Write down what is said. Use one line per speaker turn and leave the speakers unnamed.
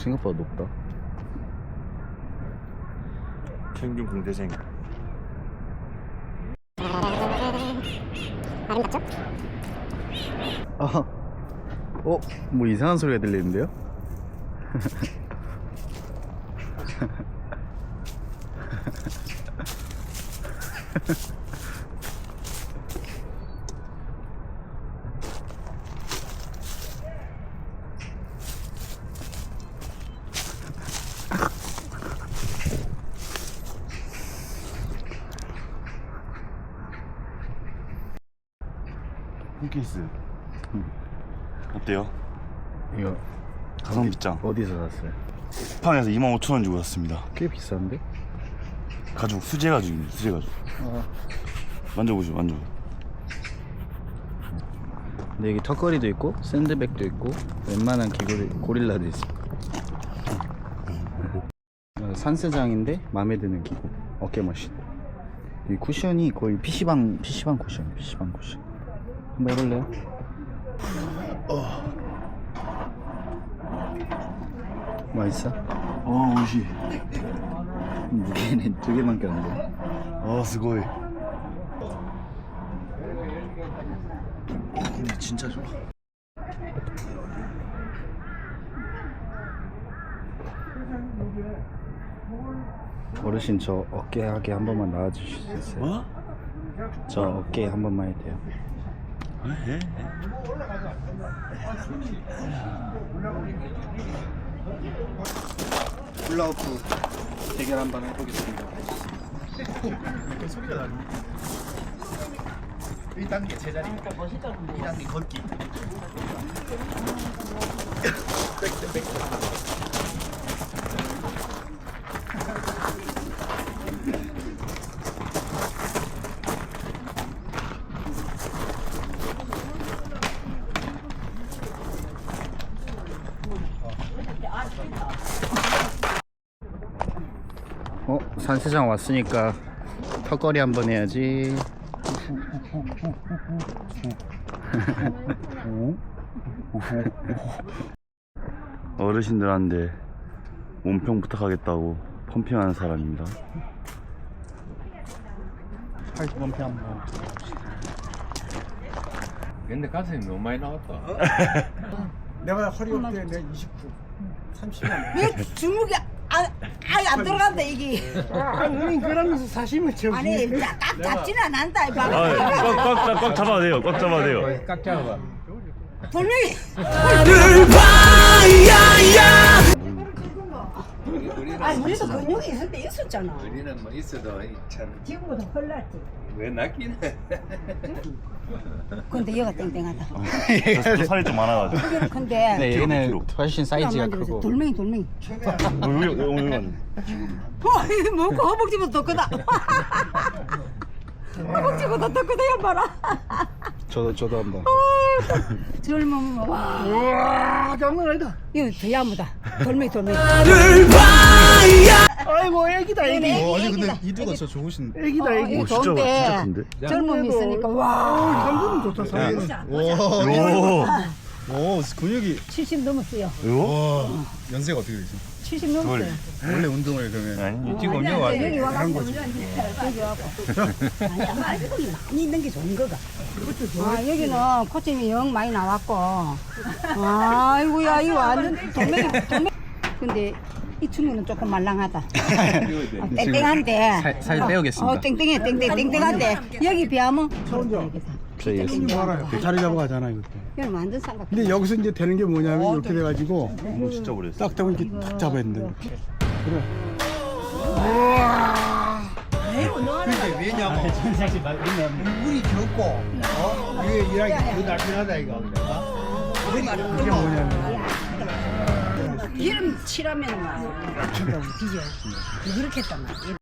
생각보다 높다.
평균 공대생.
아름답죠?
뭐 이상한 소리가 들리는데요?
홈케이스. 어때요?
이거
가성비짱.
어디서 샀어요?
쿠팡에서 25,000원 주고 샀습니다.
꽤 비싼데?
가죽, 수제 가죽입니다. 수제 가죽. 만져보시죠, 만져보세요.
근데 여기 턱걸이도 있고 샌드백도 있고 웬만한 기구들 고릴라도 있어. 산스장인데 마음에 드는 기구. 어깨 머신. 이 쿠션이 거의 PC방 쿠션. 한번 해볼래요? 맛있어?
오이시.
무게는 2개밖에 안 돼.
스고이.
근데 진짜 좋아. 어르신 저 어깨하게 한 번만 나와주실 수 있어요?
뭐?
저 어깨 한 번만 해도 돼요?
해.
훌라후프 대결 한번 해보겠습니다.
소리가 나네. 1단계 제자리, 2단계 걷기.
산세장 왔으니까 턱걸이 한번 해야지.
어르신들한테 몸평 부탁하겠다고 펌핑하는 사람입니다.
팔꿈치 한번.
근데 가슴이 너무 많이 나왔다.
내가 허리 없대 내가 29, 30만.
왜 주먹이 아예 안 들어간다 이게.
아니 그러면서 사시면 저
아니 딱 잡지는 않는다 이 방.
꽉 잡아야 돼요. 꽉 잡아야 돼요.
깍 잡아봐.
분명히 아니 우리도 근육이 있을 때 있었잖아.
우리는 뭐 있어도 참
지금보다 헐났지.
왜 낫기는?
근데 얘가 땡땡하다.
저 살이 좀 많아가지고.
근데
네, 얘는
키로.
훨씬 사이즈가
만져보세요.
크고.
돌멩이. 이거 먹고 허벅지보다 더 크다. 허벅지보다 더 크다 야 봐라.
저도 한번.
젊으면 와.
우와 장난 아니다.
이거 더 야무다. 돌멩이.
아이고 애기다 애기.
아니 근데 이두가 저 좋으신.
애기다 애기.
이거
진짜
좋은데
큰데?
젊음이 있으니까 와.
감도는 좋다 사람.
오 근육이.
70 넘었어요.
요?
연세가 어떻게 되세요?
70 넘었어요.
원래 운동을 그러면.
아니
지금 언제
아니,
왔어?
여기 와가지고 여기 와고. 아니야, 말고는 많이 있는 게 좋은 거가. 여기는 코치님이 영 많이 나왔고. 아이고야, 이거 완전 돌멩이. 근데 이 친구는 조금 말랑하다. 땡땡한데.
살 빼오겠습니다.
땡땡한데. 여기 비하면
저희
자리 잡아가잖아 이거.
여기 완전 쌍각.
근데 여기서 이제 되는 게 뭐냐면 이렇게 돼가지고
진짜 오래 했어.
딱 되면 이렇게 탁 잡아야 된다. 그래. 근데 왜냐면 물이 적고 이게 일하기 더 날씬하다 이거. 이게 뭐냐면
기름 칠하면 막 뒤져. 그렇게 했단 말이야.